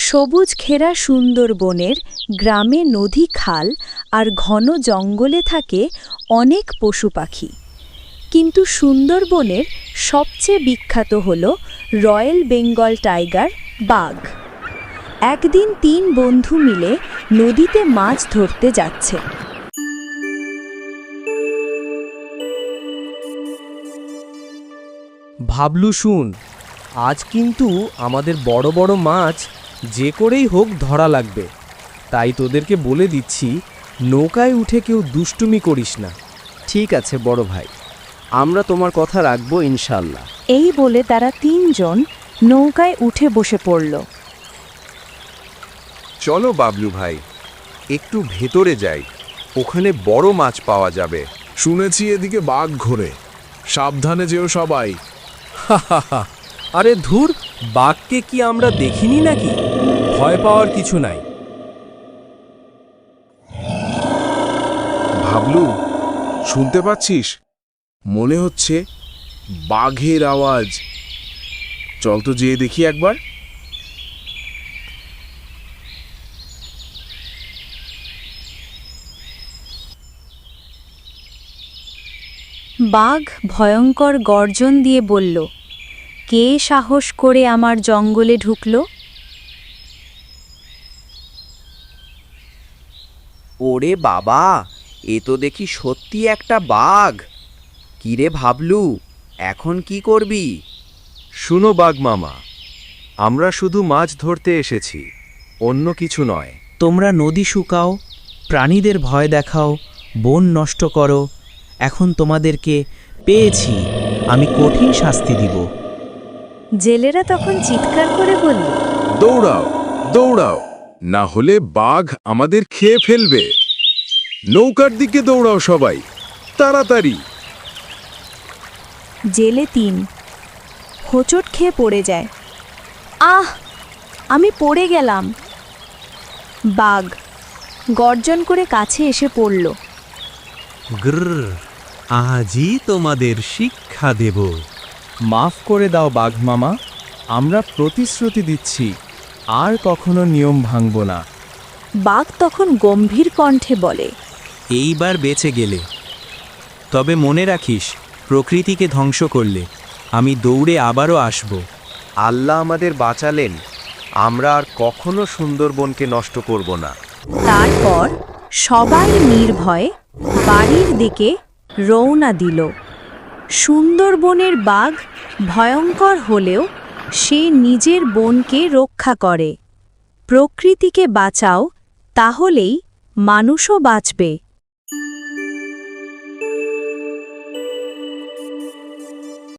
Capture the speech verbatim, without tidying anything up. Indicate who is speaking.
Speaker 1: সবুজ ঘেরা সুন্দরবনের গ্রামে নদী খাল আর ঘন জঙ্গলে থাকে অনেক পশু পাখি, কিন্তু সুন্দরবনের সবচেয়ে বিখ্যাত হল রয়্যাল বেঙ্গল টাইগার বাঘ। একদিন তিন বন্ধু মিলে নদীতে মাছ ধরতে যাচ্ছে।
Speaker 2: ভাবলু, শুন, আজ কিন্তু আমাদের বড় বড় মাছ যে করেই হোক ধরা লাগবে। তাই তোদেরকে বলে দিচ্ছি, নৌকায় উঠে কেউ দুষ্টুমি করিস না।
Speaker 3: ঠিক আছে বড় ভাই, আমরা তোমার কথা রাখবো ইনশাল্লাহ।
Speaker 1: এই বলে তারা তিনজন নৌকায় উঠে বসে পড়ল।
Speaker 4: চলো বাবলু ভাই, একটু ভেতরে যাই, ওখানে বড় মাছ পাওয়া যাবে।
Speaker 5: শুনেছি এদিকে বাঘ ঘোরে, সাবধানে যেও সবাই।
Speaker 2: আরে ধুর, বাঘকে কি আমরা দেখিনি নাকি? ভয় পাওয়ার কিছু নাই।
Speaker 5: ভাবলু, শুনতে পাচ্ছিস? মনে হচ্ছে বাঘের আওয়াজ। চল তো যেয়ে দেখি একবার।
Speaker 1: বাঘ ভয়ঙ্কর গর্জন দিয়ে বলল, কে সাহস করে আমার জঙ্গলে ঢুকল?
Speaker 3: ওরে বাবা, এ তো দেখি সত্যি একটা বাঘ। কিরে ভাবলু, এখন কি করবি?
Speaker 4: শুনো বাঘ মামা, আমরা শুধু মাছ ধরতে এসেছি, অন্য কিছু নয়।
Speaker 6: তোমরা নদী শুকাও, প্রাণীদের ভয় দেখাও, বন নষ্ট করো। এখন তোমাদেরকে পেয়েছি, আমি কঠিন শাস্তি দিব।
Speaker 1: জেলেরা তখন চিৎকার করে বলল,
Speaker 5: দৌড়াও দৌড়াও, না হলে বাঘ আমাদের খেয়ে ফেলবে। নৌকার দিকে দৌড়াও সবাই, তাড়াতাড়ি।
Speaker 1: জেলে তিন হোঁচট খেয়ে পড়ে যায়। আহ, আমি পড়ে গেলাম। বাঘ গর্জন করে কাছে এসে পড়ল।
Speaker 7: গ্রর, আজই তোমাদের শিক্ষা দেব।
Speaker 2: মাফ করে দাও বাঘ মামা, আমরা প্রতিশ্রুতি দিচ্ছি আর কখনো নিয়ম ভাঙব না।
Speaker 1: বাঘ তখন গম্ভীর কণ্ঠে বলে,
Speaker 6: এইবার বেঁচে গেলে, তবে মনে রাখিস, প্রকৃতিকে ধ্বংস করলে আমি দৌড়ে আবারও আসব।
Speaker 4: আল্লাহ আমাদের বাঁচালেন, আমরা আর কখনো সুন্দরবনকে নষ্ট করব না।
Speaker 1: তারপর সবাই নির্ভয়ে বাড়ির দিকে রওনা দিল। সুন্দরবনের বাঘ ভয়ঙ্কর হলেও সে নিজের বনকে রক্ষা করে। প্রকৃতিকে বাঁচাও, তাহলেই মানুষও বাঁচবে।